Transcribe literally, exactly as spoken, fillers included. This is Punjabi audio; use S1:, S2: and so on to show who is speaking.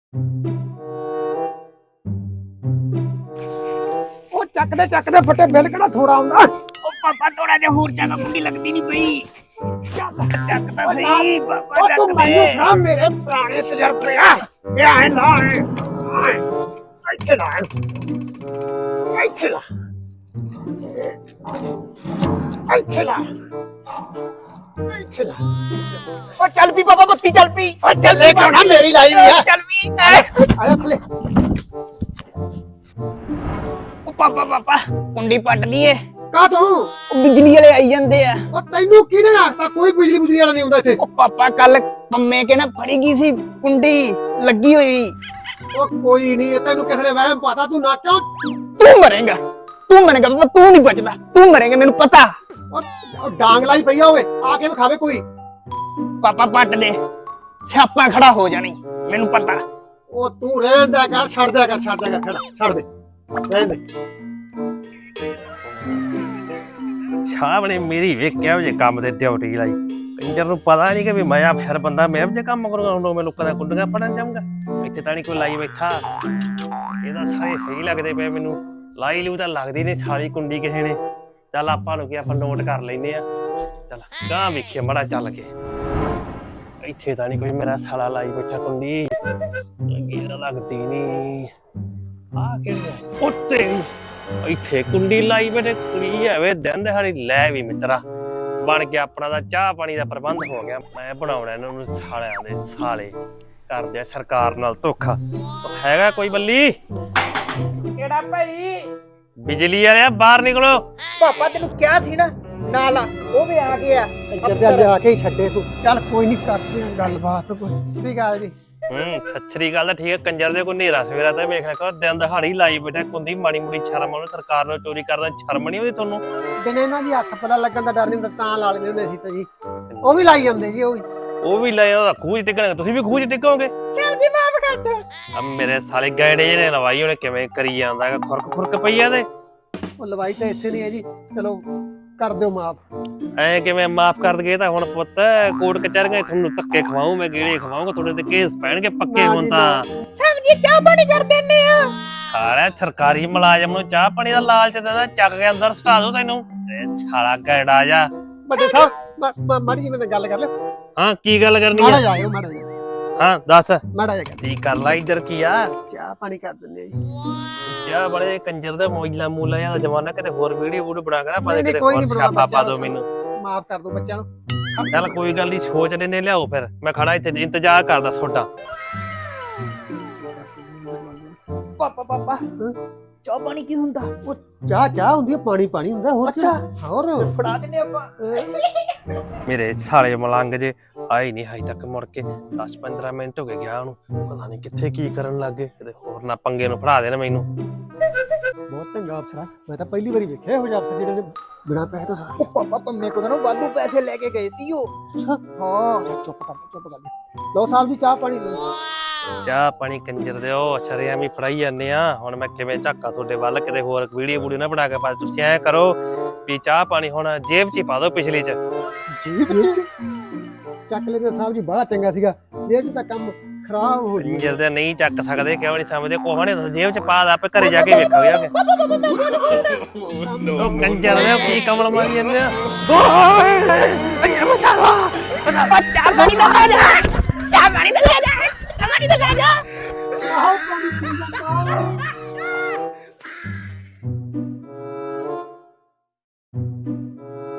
S1: ਉਹ ਚੱਕਦੇ ਚੱਕਦੇ ਫੱਟੇ ਬਿੱਲ ਕਿਹੜਾ ਥੋੜਾ ਆਉਂਦਾ।
S2: ਉਹ ਪਾਪਾ ਥੋੜਾ ਜਿਹਾ ਹੋਰ ਚੱਕ, ਕੁੰਡੀ ਲੱਗਦੀ ਨਹੀਂ ਪਈ।
S1: ਚੱਲ
S2: ਚੱਕ ਤਾਂ ਸਹੀ ਪਾਪਾ,
S1: ਉਹ ਤੂੰ
S2: ਚੱਕ
S1: ਮੈਨੂੰ
S2: ਦੇ।
S1: ਖਾ, ਮੇਰੇ ਪੁਰਾਣੇ ਤਜਰਬੇ ਆ। ਇਹ ਐ ਲਾ ਐ ਇੱਥੇ ਲਾ ਇੱਥੇ ਲਾ ਇੱਥੇ ਲਾ ਇੱਥੇ ਲਾ।
S2: ਉਹ ਚੱਲ ਪੀ ਪਾਪਾ, ਬੱਤੀ ਚੱਲ ਪੀ।
S1: ਉਹ ਚੱਲੇ ਕਿਉਂ ਨਾ, ਮੇਰੀ ਲਾਈ ਵੀ ਆ।
S2: ਚੱਲ ਪੀ।
S1: ਆਇਆ ਥੱਲੇ।
S2: ਉਹ ਪਾਪਾ ਪਾਪਾ ਕੁੰਡੀ ਪੱਟ ਦੀਏ।
S1: ਕਾ ਤੂੰ
S2: ਉਹ ਬਿਜਲੀ ਵਾਲੇ ਆਈ ਜਾਂਦੇ ਆ।
S1: ਉਹ ਤੈਨੂੰ ਕਿਹਨੇ ਆਖਤਾ ਕੋਈ ਬਿਜਲੀ ਬੁਜਲੀ ਵਾਲਾ ਨਹੀਂ ਹੁੰਦਾ ਇੱਥੇ।
S2: ਉਹ ਪਾਪਾ ਕੱਲ ਪੰਮੇ ਕੇ ਨਾ ਫੜੀ ਗਈ ਸੀ ਕੁੰਡੀ ਲੱਗੀ ਹੋਈ।
S1: ਉਹ ਕੋਈ ਨਹੀਂ, ਤੈਨੂੰ ਕਿਸੇ ਨੇ ਵਹਿਮ ਪਾਤਾ, ਤੂੰ ਨਾ ਕਿਉਂ।
S2: ਤੂੰ ਮਰੇਗਾ, ਤੂੰ ਮਰੇਗਾ ਪਾਪਾ, ਤੂੰ ਨਹੀਂ ਬਚਦਾ, ਤੂੰ ਮਰੇਗਾ ਮੈਨੂੰ ਪਤਾ।
S1: ਉਹ ਡਾਂਗ ਲਾਈ ਪਈ ਆ, ਹੋਵੇ ਆ ਕੇ ਵਿਖਾਵੇ ਕੋਈ।
S2: ਪਾਪਾ ਪੱਟ ਦੇ, ਸਿਆਪਾ ਖੜਾ ਹੋ ਜਾਣੀ ਮੈਨੂੰ ਪਤਾ।
S1: ਉਹ ਤੂੰ ਰਹਿਣ ਦਿਆ ਕਰ, ਛੱਡ ਦਿਆ ਕਰ, ਛੱਡ ਦਿਆ ਕਰ, ਛੱਡ ਦੇ, ਰਹਿਣ ਦੇ।
S3: ਸ਼ਾਹ ਨੇ ਮੇਰੀ ਵੇਖਿਆ ਉਹ ਜੇ ਕੰਮ ਤੇ ਡਿਊਟੀ ਲਾਈ। ਕੰਜਰ ਨੂੰ ਪਤਾ ਨਹੀਂ ਕਿ ਵੀ ਮੈਂ ਅਫਸਰ ਬੰਦਾ, ਮੈਂ ਜੇ ਕੰਮ ਕਰੂੰਗਾ ਹੁਣ ਮੈਂ ਲੋਕਾਂ ਦਾ ਕੁੰਡੀਆਂ ਪੜਨ ਜਾਊਂਗਾ। ਇੱਥੇ ਤਾਂ ਨਹੀਂ ਕੋਈ ਲਾਈ ਬੈਠਾ। ਇਹਦਾ ਸਾਰੇ ਸਹੀ ਲੱਗਦੇ ਪਏ ਮੈਨੂੰ। ਲਾਈ ਲੂ ਤਾਂ ਲੱਗਦੀ ਨਹੀਂ ਸਾਲੀ ਕੁੰਡੀ ਕਿਸੇ ਨੇ। ਚੱਲ ਆਪਾਂ ਨੂੰ ਕੀ, ਆਪਾਂ ਨੋਟ ਕਰ ਲੈਨੇ ਆ। ਚੱਲ ਗਾਂ ਵੇਖੀਏ ਮੜਾ ਚੱਲ ਕੇ। ਇੱਥੇ ਤਾਂ ਨਹੀਂ ਕੋਈ ਮੇਰਾ ਸਾਲਾ ਲਾਈ ਬੈਠਾ ਕੁੰਡੀ। ਲੱਗੀ ਤਾਂ ਲੱਗਦੀ ਨਹੀਂ। ਆ ਕਿਹੜੀ ਉੱਤੇ ਇੱਥੇ ਕੁੰਡੀ ਲਾਈ ਬੈਠੇ ਕੁੜੀ ਐਵੇਂ ਦਿਨ ਦਿਹਾੜੀ। ਲੈ ਵੀ ਮਿੱਤਰਾ, ਬਣ ਕੇ ਆਪਣਾ ਦਾ ਚਾਹ ਪਾਣੀ ਦਾ ਪ੍ਰਬੰਧ ਹੋ ਗਿਆ। ਮੈਂ ਬਣਾਉਣਾ ਇਹਨਾਂ ਨੂੰ ਸਾਲਿਆਂ ਦੇ ਸਾਲੇ। ਕਰਦੇ ਆ ਸਰਕਾਰ ਨਾਲ ਧੋਖਾ। ਹੈਗਾ ਕੋਈ ਬੱਲੀ?
S2: ਕਿਹੜਾ ਭਾਈ?
S3: ਬਿਜਲੀ ਵਾਲਿਆ ਬਾਹਰ ਨਿਕਲੋ।
S2: ਪਾਪਾ ਤੈਨੂੰ ਕਿਹਾ ਸੀ ਨਾ ਨਾਲ ਆ, ਉਹ ਵੀ ਆ ਗਿਆ।
S1: ਜੱਦਿਆ ਲਿਆ ਕੇ ਹੀ ਛੱਡੇ ਤੂੰ। ਚੱਲ ਕੋਈ ਨਹੀਂ, ਕਰਦੇ ਆ ਗੱਲਬਾਤ ਕੋਈ। ਸਹੀ ਗੱਲ ਜੀ।
S3: ਹੂੰ ਸੱਚਰੀ ਗੱਲ ਤਾਂ ਠੀਕ ਹੈ। ਕੰਜਰ ਦੇ ਕੋਈ ਨੇਰਾ ਸਵੇਰਾ ਤਾਂ ਵੇਖ ਲੈ ਕਰ ਦਿਨ ਦਿਹਾੜੀ ਲਾਈ ਬੈਠਾ ਕੁੰਦੀ। ਮਾੜੀ ਮੋੜੀ ਸ਼ਰਮ ਆਉਣੀ, ਸਰਕਾਰ ਨੂੰ ਚੋਰੀ ਕਰਦਾ ਸ਼ਰਮ ਨਹੀਂ ਆਉਂਦੀ ਤੁਹਾਨੂੰ?
S1: ਦਿਨੇ ਇਹਨਾਂ ਦੀ ਹੱਥ ਪਤਾ ਲੱਗਣ ਦਾ ਡਰ ਨਹੀਂ ਹੁੰਦਾ, ਤਾਂ ਲਾ ਲੈਂਦੇ ਹੁੰਦੇ ਸੀ ਤਾਂ ਜੀ। ਉਹ ਵੀ ਲਾਈ ਜਾਂਦੇ ਜੀ, ਉਹ ਵੀ।
S3: ਉਹ ਵੀ ਲੈ ਉਹਦਾ ਖੂਹ ਚ ਟਿਕਣਗੇ, ਤੁਸੀਂ ਵੀ ਖੂਹ ਚ ਟਿਕੋਗੇ।
S2: ਚੱਲ ਜੀ ਮਾਫ ਕਰ ਦੇ।
S3: ਆ ਮੇਰੇ ਸਾਲੇ ਗੈੜੇ ਜਿਹੇ ਲਵਾਈ ਉਹਨੇ ਕਿਵੇਂ ਕਰੀ ਜਾਂਦਾ ਹੈਗਾ। ਖੁਰਕ ਖੁਰਕ ਪਈ ਆ ਤੇ
S1: ਉਹ ਲਵਾਈ ਤਾਂ ਇੱਥੇ ਨਹੀਂ ਹੈ ਜੀ, ਚਲੋ ਕਰ ਦਿਓ ਮਾਫ।
S3: ਐ ਕਿਵੇਂ ਮਾਫ ਕਰ ਦਗੇ? ਤਾਂ ਹੁਣ ਪੁੱਤ ਕੋਰਟ ਕਚਹਿਰੀਆਂ ਤੁਹਾਨੂੰ ਧੱਕੇ ਖਵਾਉਂ, ਮੈਂ ਗੇੜੇ ਖਵਾਉਂਗਾ, ਤੁਹਾਡੇ ਤੇ ਕੇਸ ਪੈਣਗੇ ਪੱਕੇ। ਹੁਣ ਤਾਂ
S2: ਸਮਝੀ ਚਾਹ ਪਾਣੀ ਕਰ ਦਿੰਨੇ ਆ।
S3: ਸਾਲਾ ਸਰਕਾਰੀ ਮੁਲਾਜ਼ਮ ਨੂੰ ਚਾਹ ਪਾਣੀ ਦਾ ਲਾਲਚ ਦਿੰਦਾ, ਚੱਕ ਕੇ ਅੰਦਰ ਸਟਾ ਦੋ ਤੈਨੂੰ। ਇਹ ਸਾਲਾ ਗੈੜਾ ਜਾ।
S1: ਵੱਡੇ ਸਾਹਿਬ ਮਾੜੀ ਜੀ ਮੇਰੇ ਗੱਲ ਕਰ ਲਿਓ।
S3: ਹਾਂ ਕੀ ਗੱਲ ਕਰਨੀ
S1: ਮਾੜਾ
S3: ਹੈ?
S1: ਜਾਇਓ, ਮਾੜਾ ਜਾ,
S3: ਹਾਂ ਦੱਸ
S1: ਮਾੜਾ ਜਾ ਕਰ।
S3: ਕੀ ਕਰ ਲਾ ਇੱਧਰ ਕੀ ਆ?
S1: ਚਾਹ ਪਾਣੀ ਕਰ ਦਿੰਦੇ ਆ ਜੀ।
S3: ਯਾ ਬੜੇ ਕੰਜਰ ਦੇ ਮੋਇਲਾ ਮੂਲਾ ਦਾ ਜ਼ਮਾਨਾ। ਕਿਤੇ ਹੋਰ ਵੀਡੀਓ ਵੂਡੀਓ ਬਣਾ ਕੇ ਨਾ ਪਾ ਦੇ,
S1: ਨਹੀਂ,
S3: ਕਿਤੇ
S1: ਕੋਈ
S3: ਹੋਰ
S1: ਨਹੀਂ
S3: ਸਿਆਪਾ
S1: ਬਣਾਉਣਾ
S3: ਪਾ ਦੋ ਮੈਨੂੰ।
S1: ਮਾਫ ਕਰ ਦੋ ਬੱਚਿਆਂ ਨੂੰ।
S3: ਚੱਲ ਕੋਈ ਗੱਲ ਨਹੀਂ, ਸੋਚ ਲੈਨੇ, ਲਿਆਓ ਫਿਰ। ਮੈਂ ਖੜਾ ਇੱਥੇ ਇੰਤਜ਼ਾਰ ਕਰਦਾ ਤੁਹਾਡਾ।
S2: ਪਾਪਾ ਪਾਪਾ ਚਾਹ ਪਾਣੀ ਕੀ ਹੁੰਦਾ?
S1: ਉਹ ਚਾਹ ਚਾਹ ਹੁੰਦੀ ਹੈ, ਪਾਣੀ ਪਾਣੀ ਹੁੰਦਾ, ਹੋਰ ਕੀ। ਹੋਰ
S2: ਫੜਾ ਦਿੰਨੇ ਆਪਾਂ।
S3: ਮੇਰੇ ਸਾਲੇ ਮਲੰਗ ਜੇ ਆਏ ਨਹੀਂ ਹਜੇ ਤੱਕ ਮੁੜ ਕੇ। ਦਸ ਪੰਦਰਾਂ ਮਿੰਟ ਹੋ ਗਏ ਗਿਆ ਉਹਨੂੰ, ਪਤਾ ਨਹੀਂ ਕਿੱਥੇ ਕੀ ਕਰਨ ਲੱਗ ਗਏ। ਕਿਤੇ ਹੋਰ ਨਾ ਪੰਗੇ ਨੂੰ ਫੜਾ ਦੇਣ ਮੈਨੂੰ।
S1: ਬਹੁਤ ਚੰਗਾ ਅਫਸਰ ਆ, ਮੈਂ ਤਾਂ ਪਹਿਲੀ ਵਾਰੀ ਵੇਖਿਆ ਇਹੋ ਜਿਹਾ ਅਫਸਰ ਜਿਹੜੇ ਨੇ ਬਿਨਾਂ ਪੈਸੇ ਤੋਂ ਸਾਰੇ।
S2: ਪਾਪਾ ਪੰਮੇ ਕੋਲ ਨਾ ਵਾਧੂ ਪੈਸੇ ਲੈ ਕੇ ਗਏ ਸੀ ਉਹ।
S1: ਹਾਂ ਚੁੱਪ ਕਰ ਚੁੱਪ ਕਰ ਲਓ ਸਾਹਿਬ ਜੀ, ਚਾਹ ਪਾਣੀ ਲਓ।
S3: ਚਾਹ ਪਾਣੀ ਕੰਜਰ ਦਿਓ, ਸ਼ਰਿਆਮ ਹੀ ਫੜਾਈ ਜਾਂਦੇ ਆ। ਹੁਣ ਮੈਂ ਕਿਵੇਂ ਝਾਕਾ ਤੁਹਾਡੇ ਵੱਲ? ਕਿਤੇ ਹੋਰ ਵੀਡੀਓ ਵੂਡੀਓ ਨਾ ਬਣਾ ਕੇ ਪਾ। ਤੁਸੀਂ ਐ ਕਰੋ ਵੀ ਚਾਹ ਪਾਣੀ ਹੁਣ ਜੇਬ 'ਚ ਹੀ ਪਾ ਦਿਓ, ਪਿਛਲੀ 'ਚ।
S1: ਜੇਬ 'ਚ ਚੱਕ ਲੈਂਦੇ ਸਾਹਿਬ ਜੀ, ਬੜਾ ਚੰਗਾ ਸੀਗਾ। ਜੇਬ 'ਚ ਤਾਂ ਕੰਮ ਖਰਾਬ ਹੋ ਜੀ।
S3: ਕੰਜਰ ਦੇ ਨਹੀਂ ਚੱਕ ਸਕਦੇ, ਕਿਉਂ ਨਹੀਂ ਸਮਝਦੇ? ਕੋਹ ਨੇ ਜੇਬ 'ਚ ਪਾ ਦਾ, ਆਪੇ ਘਰੇ ਜਾ ਕੇ ਵੇਖਾਂਗੇ। ਉਹ ਕੰਜਰ ਦੇ ਕੀ ਕਮਲ ਮਾਰੀ ਜਾਂਦੇ ਆ।
S2: ਚਾਹ ਪਾਣੀ ਦਾ ਲੈ ਜਾ, ਚਾਹ ਪਾਣੀ ਦਾ ਲੈ ਜਾ, ਚਾਹ ਪਾਣੀ ਦਾ ਲੈ ਜਾ।